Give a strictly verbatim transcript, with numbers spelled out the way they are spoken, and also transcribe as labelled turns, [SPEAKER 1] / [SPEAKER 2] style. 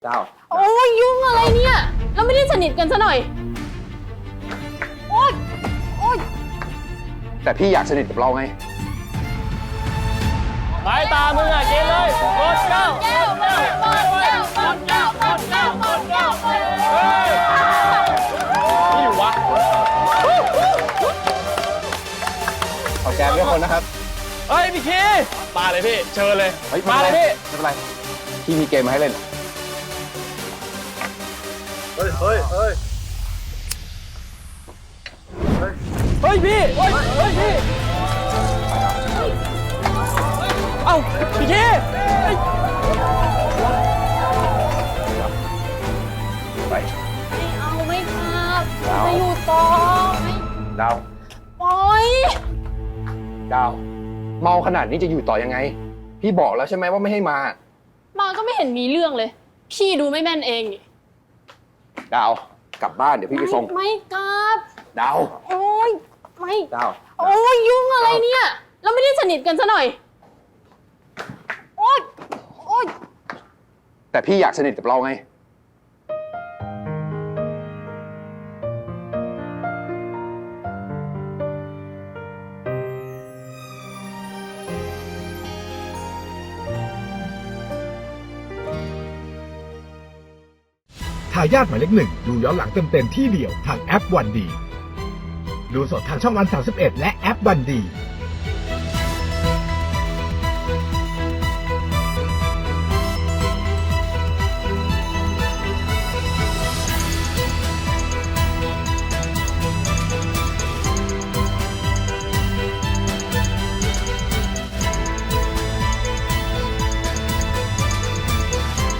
[SPEAKER 1] เจ้า
[SPEAKER 2] โอ้ยยุ่งอะไรเนี่ยเราไม่ได้สนิทกันซะหน่อยโอ๊ยโอ๊ย
[SPEAKER 1] แต่พี่อยากสนิทกับเราไง
[SPEAKER 3] ไม้ตามึงอ่ะกินเลยกดเก้า
[SPEAKER 2] แก้วหมดหมดแก้วหมดแก้วหมดแก้วหมดแก้วหมด
[SPEAKER 3] เฮ้ยนี่อยู่วะ
[SPEAKER 1] ขอแกมด้วยคนนะครับ
[SPEAKER 3] เฮ้ยพี่คีมาเลยพี่เชิญเลย
[SPEAKER 1] ฮ้
[SPEAKER 3] มาเลยพี่
[SPEAKER 1] ไม่เป็นไรพี่มีเกมมาให้เล่นเฮ้ยเฮ้ยเฮ้ย
[SPEAKER 3] เฮ้ยพี่เฮ้ยเฮ้ยพี่เอ้าพี่คีเฮ้ย
[SPEAKER 1] ไป
[SPEAKER 2] ไม่เอาไม่ครับจะอยู่ต่อไม่
[SPEAKER 1] ดาว
[SPEAKER 2] ปล่อย
[SPEAKER 1] ดาวเมาขนาดนี้จะอยู่ต่อยังไงพี่บอกแล้วใช่ไหมว่าไม่ให้มา
[SPEAKER 2] มาก็ไม่เห็นมีเรื่องเลยพี่ดูไม่แม่นเองนี่
[SPEAKER 1] ดาวกลับบ้านเดี๋ยวพี่ไปส่ง
[SPEAKER 2] ไม่กลับ
[SPEAKER 1] ดาว
[SPEAKER 2] โอ๊ยไม่
[SPEAKER 1] ดาว
[SPEAKER 2] โอ๊ยยุ่งอะไรเนี่ยเราไม่ได้สนิทกันซะหน่อยโอ๊ยโอ๊ย
[SPEAKER 1] แต่พี่อยากสนิทกับเราไง
[SPEAKER 4] ทายาทหมายเลขหนึ่งดูย้อนหลังเต็มๆที่เดียวทางแอปวันดีดูสดทางช่องวันสามสิบเอ็ดและแอปวันดี